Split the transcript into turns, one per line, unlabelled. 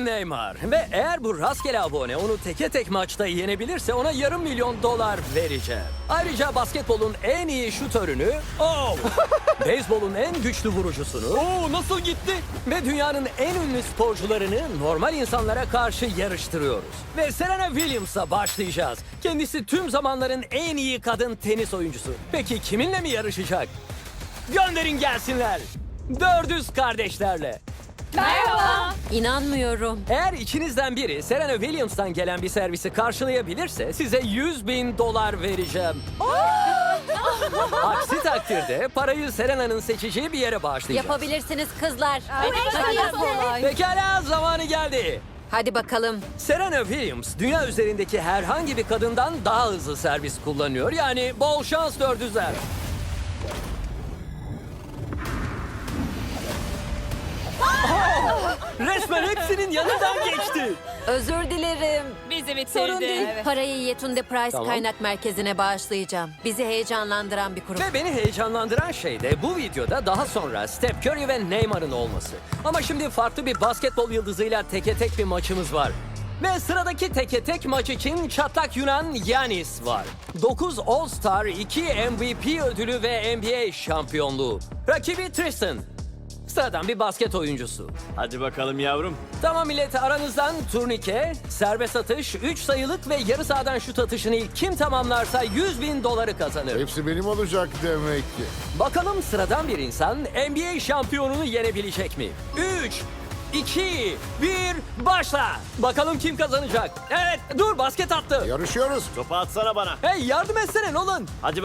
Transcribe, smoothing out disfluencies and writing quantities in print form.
Adım Neymar ve eğer bu rastgele abone onu teke tek maçta yenebilirse ona $500,000 vereceğim. Ayrıca basketbolun en iyi şutörünü, beyzbolun en güçlü vurucusunu
Nasıl gitti?
ve dünyanın en ünlü sporcularını normal insanlara karşı yarıştırıyoruz. Ve Serena Williams'a başlayacağız. Kendisi tüm zamanların en iyi kadın tenis oyuncusu. Peki kiminle mi yarışacak? Gönderin gelsinler. Dördüz kardeşlerle.
Merhaba. İnanmıyorum.
Eğer içinizden biri Serena Williams'tan gelen bir servisi karşılayabilirse size $100,000 vereceğim. Aksi takdirde parayı Serena'nın seçeceği bir yere bağışlayacağız.
Yapabilirsiniz kızlar.
Pekala, zamanı geldi.
Hadi bakalım.
Serena Williams dünya üzerindeki herhangi bir kadından daha hızlı servis kullanıyor. Yani bol şans dördüzler. Resmen hepsinin yanından geçti.
Özür dilerim.
Bizi bitirdi.
Sorun değil. Parayı Yetunde Price
Tamam.
Kaynak Merkezi'ne bağışlayacağım. Bizi heyecanlandıran bir kurum.
Ve beni heyecanlandıran şey de bu videoda daha sonra Steph Curry ve Neymar'ın olması. Ama şimdi farklı bir basketbol yıldızıyla teke tek bir maçımız var. Ve sıradaki teke tek maç için çatlak Yunan Giannis var. 9 All-Star, 2 MVP ödülü ve NBA şampiyonluğu. Rakibi Tristan. Sıradan bir basket oyuncusu.
Hadi bakalım yavrum.
Tamam millet, aranızdan turnike, serbest atış, 3 sayılık ve yarı sahadan şut atışını ilk kim tamamlarsa $100,000 kazanır.
Hepsi benim olacak demek ki.
Bakalım sıradan bir insan NBA şampiyonunu yenebilecek mi? 3, 2, 1, başla. Bakalım kim kazanacak? Evet, dur, basket attı.
Yarışıyoruz.
Topu atsana bana.
Hey, yardım etsene Nolan.
Hadi